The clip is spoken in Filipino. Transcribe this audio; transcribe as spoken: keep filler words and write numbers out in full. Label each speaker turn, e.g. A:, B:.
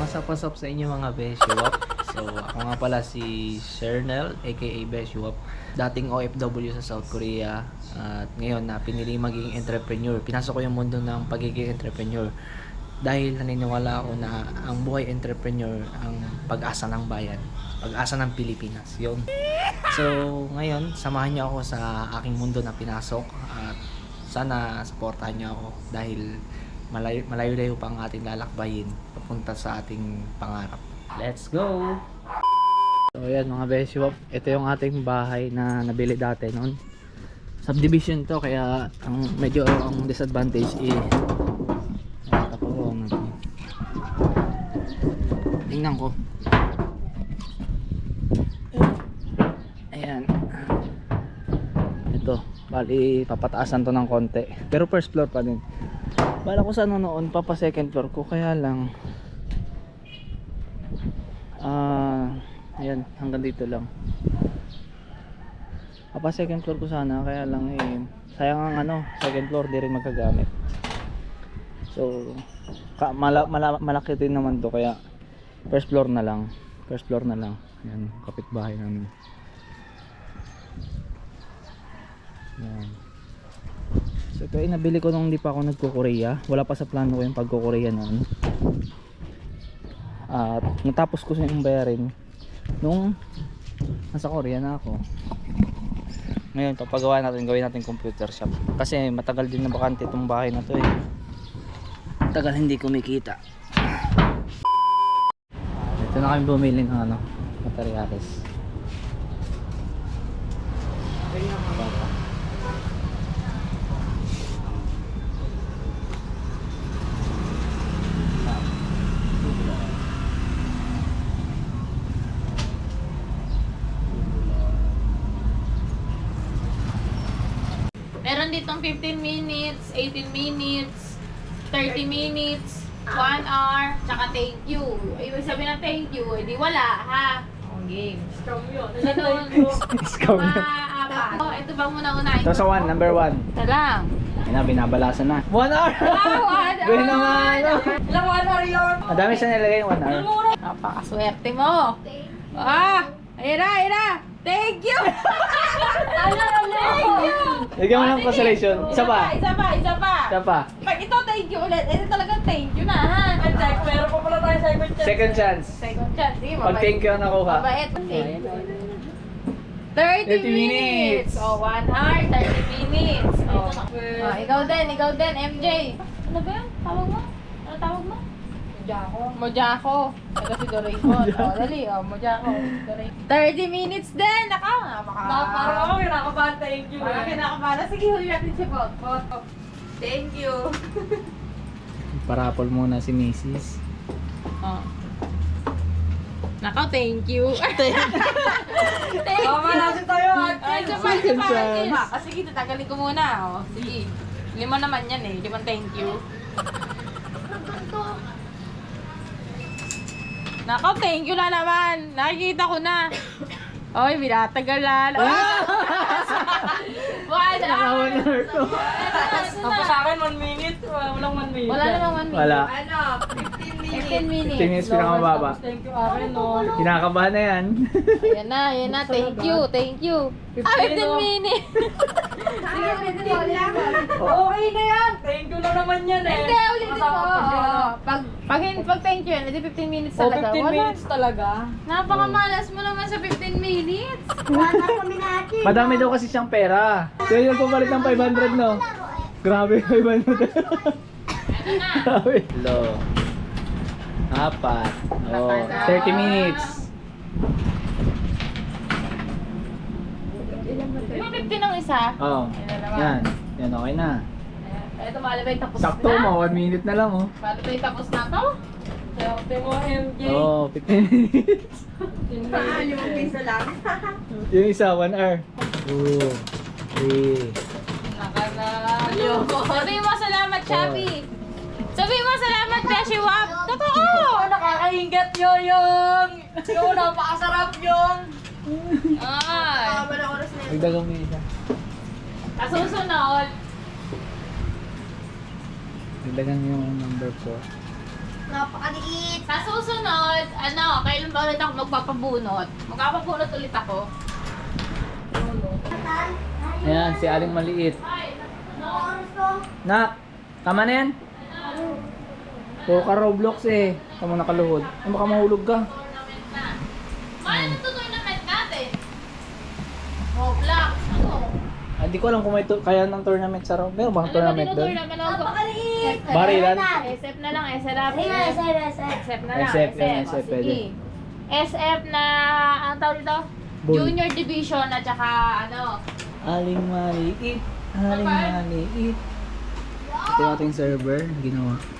A: Masapasap sa inyo mga Beshiwap. So ako nga pala si Shernel aka Beshiwap. Dating O F W sa South Korea. At ngayon na pinili maging entrepreneur. Pinasok ko yung mundo ng pagiging entrepreneur. Dahil naniniwala ako na ang buhay entrepreneur ang pag-asa ng bayan. Pag-asa ng Pilipinas. Yun. So ngayon, samahan niyo ako sa aking mundo na pinasok. At sana supportahan niyo ako. Dahil malayo, malayo-layo pa ang ating lalakbayin papunta sa ating pangarap. Let's go! So ayan mga Beshiwap, ito yung ating bahay na nabili dati noon. Subdivision to, kaya ang medyo ang disadvantage eh tapakuan natin. Tingnan ko. Ayan. Ito, bali papataasan to ng konti. Pero first floor pa din. Bala ko sa ano noon, papa second floor ko, kaya lang ah uh, ayan, hanggang dito lang. Papa second floor ko sana, kaya lang eh sayang ang ano, second floor di rin magagamit. So ka, mala, mala, malaki din naman to, kaya first floor na lang. First floor na lang. Ayan, kapitbahay namin. Ayan. So ito ay nabili ko nung hindi pa ako nagko-Korea. Wala pa sa plano ko yung pagko-Korea noon. At natapos ko yung bayarin nung nasa Korea na ako. Ngayon papagawa natin, gawin natin computer shop. Kasi matagal din na bakante itong bahay na to eh. Tagal hindi kumikita. Ito na kami bumili ng ano, materyales.
B: Meron ditong fifteen minutes, eighteen minutes, thirty minutes, one hour, tsaka thank you. Ibig sabihin ng thank you, edi wala, ha? Ang game. Scam yun.
A: Scam yun.
B: Apa. Oh, ito ba muna unahin?
A: Ito sa one, number one.
B: Ito lang.
A: Yan na, binabalasan na. One hour!
B: Wow, one hour!
A: Gawin naman!
B: Ilang one hour yun?
A: Ang dami siya nilagay yung one hour.
B: Napakaswerte mo. Ah! Ayun na, ayun na! Thank you! Thank you!
A: Lagyan mo ng consolation. Isa pa.
B: Isa pa, isa pa.
A: Isa pa.
B: Pag ito, thank you ulit. Ito talagang thank you na, ha? Check, meron pa pala tayo second chance.
A: Second chance.
B: Second chance, sige,
A: Pag thank you ang nakuha.
B: Mabait. thirty minutes. Oh, one hour, thirty minutes. Oh. Oh, ikaw din, ikaw din, M J. Ano ba yan? Tawag mo? Ano tawag mo? Mojako. Mojako. Ito si Doraemon. Oh, dali. Oh, Mojako. thirty minutes din. Naka, napaka.
C: Parang ako kinakabahan, thank you.
B: Parang kinakabahan. Sige, huli natin si Bot. Bot. Thank you.
A: Parapol muna si Missus
B: Oh. Naka, thank you. thank you.
C: Tama natin tayo,
B: Ay,
C: Akin.
B: isa pa, isa pa.
A: Second
B: Isa pa. Sige, tatagalin ko muna. Oh. Sige. Lima naman yan eh. Limang thank you. Nako, thank you na naman. Nakikita ko na. Oy, binatagalan. Ah! One hour.
A: One hour to.
C: Tapos sa akin, one minute. Walang one minute.
B: Wala namang one minute.
A: Wala.
C: Ano? fifteen minutes.
B: fifteen minutes.
A: fifteen minutes pinakamababa.
C: Tapos thank you, Akin, no?
A: Kinakabahan na yan.
B: Ayan na, ayan na. Thank you, thank you. Ah, fifteen minutes. Sige, fifteen lang.
C: Okay na yan. Thank you na naman yan, eh.
B: Hindi, ulitin ko.
C: Kasama pa siya, no?
B: Oo. Pag, pag, pag thank you, hindi fifteen minutes
C: Oh,
B: talaga.
C: fifteen
B: Wala.
C: minutes talaga.
B: Napakamalas mo naman sa fifteen minutes.
A: Madami daw kasi siyang pera. So yun pumalit ng five hundred, no? Grabe, five hundred. Grabe. Lo. Apat. Oh, thirty minutes.
B: Yung fifteen ng isa.
A: Oh. Yan. Yan, okay na.
B: Ayan. Ito, malabay tapos
A: Sakto
B: na.
A: mo, one minute na lang, oh.
B: Malabay tapos na to.
C: Swerte mo, M J.
A: Oh, fifteen minutes.
C: Limang piso lang.
A: Yung isa, one hour. Two, three.
B: Nakanalo. Sabihin mo salamat, Chabi. Sabihin mo salamat, Beshiwap. Totoo.
C: Oh, nakakaingat yoyong. Yung napakasarap yung.
B: Ay.
A: Magdagang may isa.
B: Kasusunod.
A: Magdagang yung number four.
D: Napakaliit.
B: Sa susunod, ano, kailan ba ulit ako magpapabunot? Magpapabunot ulit ako.
A: Ayan, si Aling Maliit.
B: Ay,
D: Ano oras ko?
A: Nak, tama na yan? Puro ka Roblox eh. Tama nakaluhod. Ay, baka mahulog ka.
B: tournament na. Ma, ano to tournament natin? Roblox, ano?
A: Ah, di ko alam kung may tu- kaya ng tournament sa Roblox. Meron bang
B: Ano ba
A: tournament doon?
B: tinutournament ako?
D: Napakaliit.
A: Barilan?
B: S F na lang, S F.
D: Sige, sige, sige.
B: S F na lang,
A: S F,
B: S F.
A: yan,
B: O,
A: S F,
B: sige.
A: pwede.
B: S F na, ang tawag dito?
A: Bull.
B: Junior Division at saka ano.
A: Aling Maliit. Aling Maliit. Ito yung ating server na ginawa.